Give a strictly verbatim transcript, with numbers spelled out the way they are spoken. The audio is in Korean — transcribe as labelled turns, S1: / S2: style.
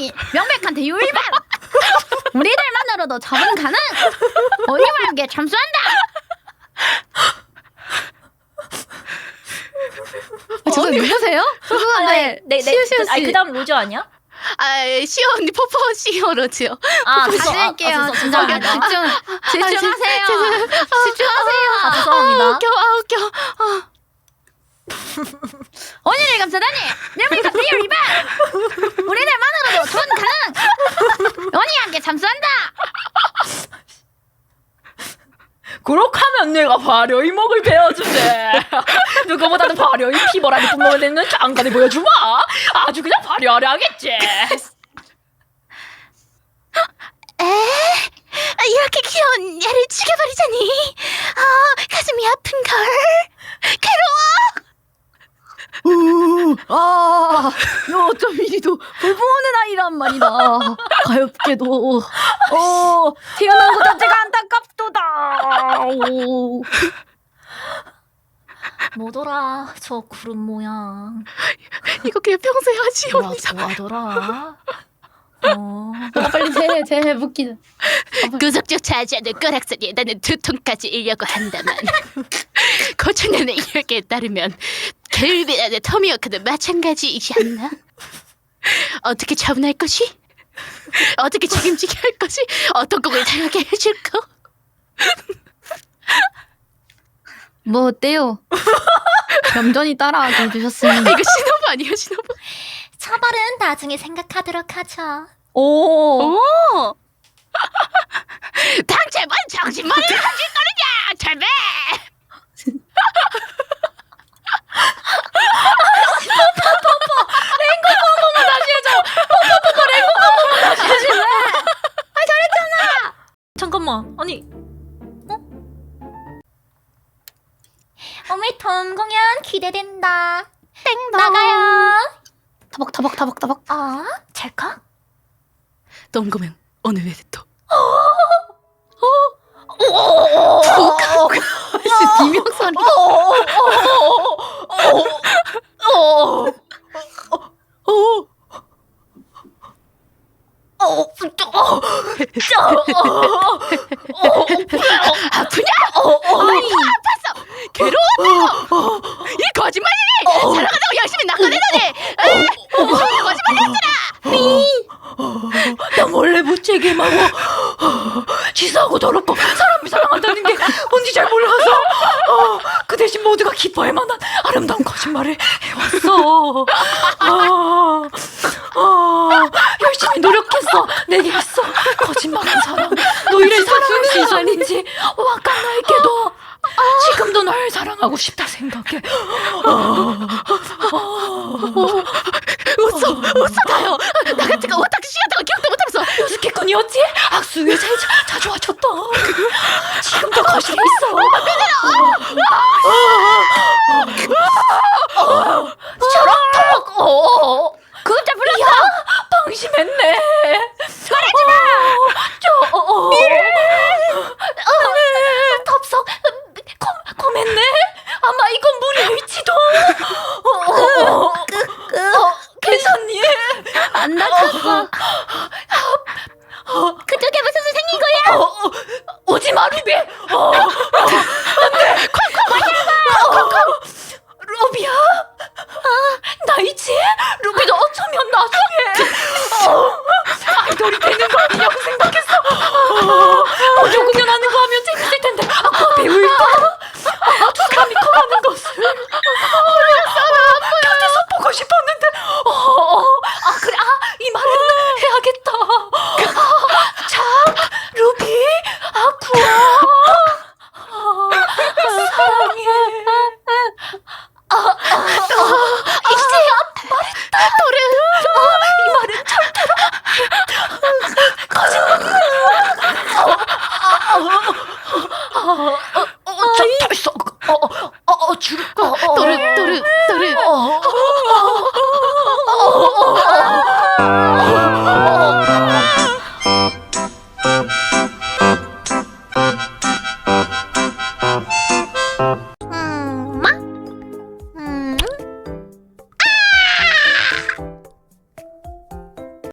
S1: 잠수다니 명백한 대유 위반. 우리들만으로도 처분 가능. 어리말게 잠수한다. 아, 저 누구세요? 죄송한데
S2: 네네. 아니 그다음 로즈 아니야?
S3: 아, 시오 언니 퍼포 시오로지요.
S2: 아,
S1: 다시 할게요.
S2: 아,
S1: 진짜
S2: 죄송합니다.
S1: 집중 집중하세요. 집중하세요.
S2: 아, 죄송합니다.
S3: 웃겨, 아, 웃겨. 아.
S1: 언니를 감싸다니 명백한 대유 위반. 우리들만으로도 처분 가능. 언니한테 잠수한다.
S2: 그렇게 하면 내가 발효 이목을 베어주네. 누구보다는 발효 이 피버라니 뿜어내는 장관을 보여주마. 아주 그냥 발효하려 하겠지.
S3: 에? 이렇게 귀여운 얘를 죽여버리자니. 아, 가슴이 아픈걸. 괴로워.
S1: 아, 너 어쩜 이리도 불보는 아이란 말이다. 가엾게도 어, 태어난 것 자체가 안타깝도다. 오.
S2: 뭐더라 저 구름 모양.
S3: 이거 그냥 평소에 하지 언니.
S2: 뭐하더라. 어.
S1: 아, 빨리 제, 제 해볼기는.
S3: 구석조차 하지 않는 꼬락서리에 나는 두통까지 일려고 한다만 고천년의 이야기에 따르면 켈빈 안의 터미워크도 마찬가지이지 않나? 어떻게 처분할 것이? 어떻게 책임지게 할 것이? 어떤 곡을 당하게 해줄 거?
S1: 뭐 어때요? 얌전히 따라하게 해주셨으니.
S3: 이거 신호부 아니에요 신호부?
S2: 처벌은 나중에 생각하도록 하죠.
S1: 오.
S3: 오! 당최 뭔 정신머리를 가질 거느냐 제발!
S2: 잠깐만. 아니. 어? 오늘 덤 공연 기대된다. 땡 나가요.
S1: 타박 타박 타박 타박.
S2: 아, 찰칵?
S3: 똥구면 오늘 왜 또?
S1: 혹시 비명 소리?
S3: 아프냐? 아니 아팠어! 괴로웠다고! 이 거짓말이니! 살아가자고 열심히 낚아내더니! 에이, 거짓말이었잖아!
S2: 나 몰래 무책임하고 치사하고 더럽고 사람을 사랑한다는 게 뭔지 잘 몰라서 어, 그 대신 모두가 기뻐할 만한 아름다운 거짓말을 해왔어. 어, 어, 열심히 노력했어. 내게 있어 거짓말한 사람. 너희를 사랑할 수 있었는지 와까 나에게도 지금도 널 사랑하고 싶다 생각해.
S3: 웃어! 웃어 다요! 나 같은 거 오타쿠시 같은 거 기억도 못하면서
S2: 스케꾼이었지? 악수에 제일 자, 자주 와줬던. 지금도 거실에 있어. 저렇게 어,
S1: 그자 불렀어.
S2: 방심했네. 말하지 마. 저, 어, 어. 어, 덥석, 고, 고했네. 아마 이건 물일지도. 어, 어, 어, 괜찮니?
S1: 안 다쳤어. 그쪽에 무슨 수 생긴 거야?
S2: 어, 어, 오지 마, 루비. 어, 어, 안 돼. 콩콩 마냐고. 루비야? 아, 나 있지? 루비도 어쩌면 나중에 어, 아이돌이 되는 거 아니냐고 생각했어. 어, 오디오 공연하는 거 하면 재밌을 텐데 아까 배울까? 아, 두 사람이 커가는 것을 어렸어. 곁에서 보고 싶었는데 어, 어, 아 그래, 아, 이 말은 해야겠다. 아, 자, 루비, 아쿠아, 아, 사랑해. 아, 아, 아, 이제 말했다. 노래. 아, 이 말은 절대로 거짓말. 어, 어, 어, 어, 저 벌써, 어, 어, 어, 어, 줄, 어, 어,
S3: 또르 또르 또르
S2: 어, 어, 어, 어, 어, 어.